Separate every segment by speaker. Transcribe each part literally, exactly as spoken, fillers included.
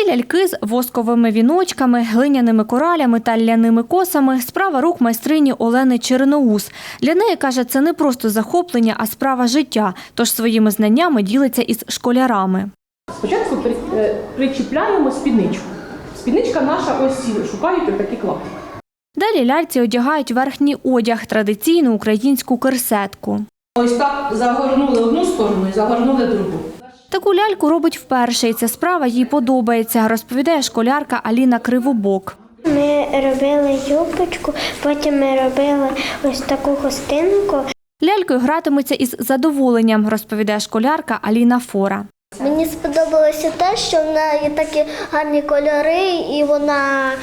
Speaker 1: Ці ляльки з восковими віночками, глиняними коралями та ляними косами – справа рук майстрині Олени Черноус. Для неї, каже, це не просто захоплення, а справа життя, тож своїми знаннями ділиться із школярами.
Speaker 2: Спочатку причіпляємо спідничку. Спідничка наша, ось шукають ось такий клаптик.
Speaker 1: Далі ляльці одягають верхній одяг – традиційну українську керсетку.
Speaker 2: Ось так загорнули одну сторону і загорнули другу.
Speaker 1: Таку ляльку робить вперше, і ця справа їй подобається, розповідає школярка Аліна Кривобок.
Speaker 3: Ми робили юбочку, потім ми робили ось таку хустинку.
Speaker 1: Лялькою гратиметься із задоволенням, розповідає школярка Аліна Фора.
Speaker 3: Мені сподобалося те, що в неї такі гарні кольори і вона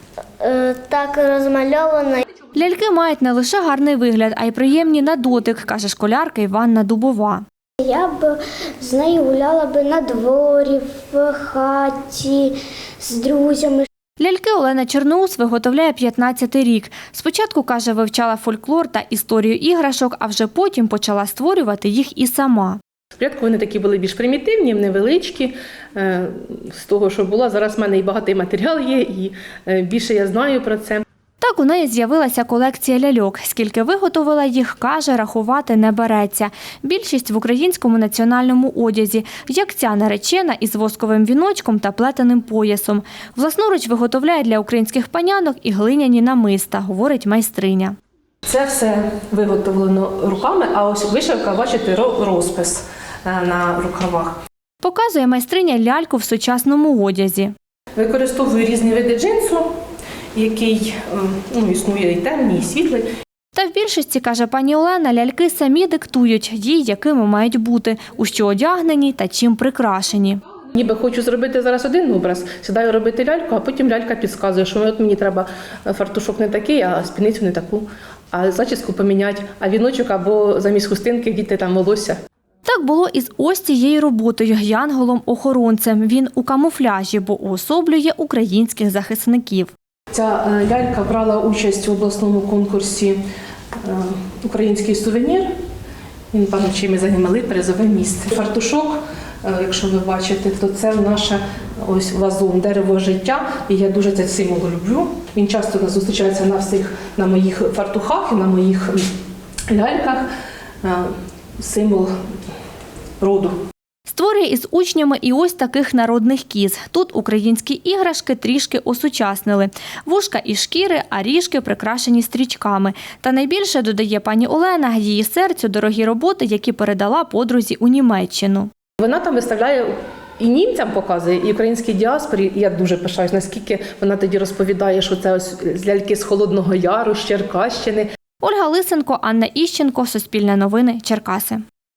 Speaker 3: е, так розмальована.
Speaker 1: Ляльки мають не лише гарний вигляд, а й приємні на дотик, каже школярка Іванна Дубова.
Speaker 3: Я б з нею гуляла б на дворі, в хаті, з друзями.
Speaker 1: Ляльки Олена Черноус виготовляє п'ятнадцятий рік. Спочатку, каже, вивчала фольклор та історію іграшок, а вже потім почала створювати їх і сама.
Speaker 2: Спочатку вони такі були більш примітивні, невеличкі, з того, що було. Зараз в мене і багатий матеріал є, і більше я знаю про це.
Speaker 1: Так у неї з'явилася колекція ляльок. Скільки виготовила їх, каже, рахувати не береться. Більшість в українському національному одязі, як ця наречена із восковим віночком та плетеним поясом. Власноруч виготовляє для українських панянок і глиняні намиста, говорить майстриня.
Speaker 2: Це все виготовлено руками, а ось вишивка, бачите, розпис на рукавах.
Speaker 1: Показує майстриня ляльку в сучасному одязі.
Speaker 2: Використовую різні види джинсу, який ну, існує і темний, і світлий.
Speaker 1: Та в більшості, каже пані Олена, ляльки самі диктують їй, якими мають бути, у що одягнені та чим прикрашені.
Speaker 2: Ніби хочу зробити зараз один образ, сідаю робити ляльку, а потім лялька підказує, що от мені треба фартушок не такий, а спідницю не таку, а зачіску поміняти, а віночок або замість хустинки діти там волосся.
Speaker 1: Так було і з ось цією роботою – янголом-охоронцем. Він у камуфляжі, бо уособлює українських захисників.
Speaker 2: Ця лялька брала участь у обласному конкурсі «Український сувенір». Він, певно, чим ми займали призове місце. Фартушок, якщо ви бачите, то це наше ось вазон, дерево життя. І я дуже цей символ люблю. Він часто зустрічається на всіх, на моїх фартухах і на моїх ляльках. Символ роду.
Speaker 1: Створює із учнями і ось таких народних кіз. Тут українські іграшки трішки осучаснили. Вушка із шкіри, а ріжки прикрашені стрічками. Та найбільше, додає пані Олена, її серцю дорогі роботи, які передала подрузі у Німеччину.
Speaker 2: Вона там виставляє і німцям показує, і українській діаспорі. І я дуже пишаюсь, наскільки вона тоді розповідає, що це ось ляльки з Холодного Яру, з Черкащини.
Speaker 1: Ольга Лисенко, Анна Іщенко, Суспільне новини, Черкаси.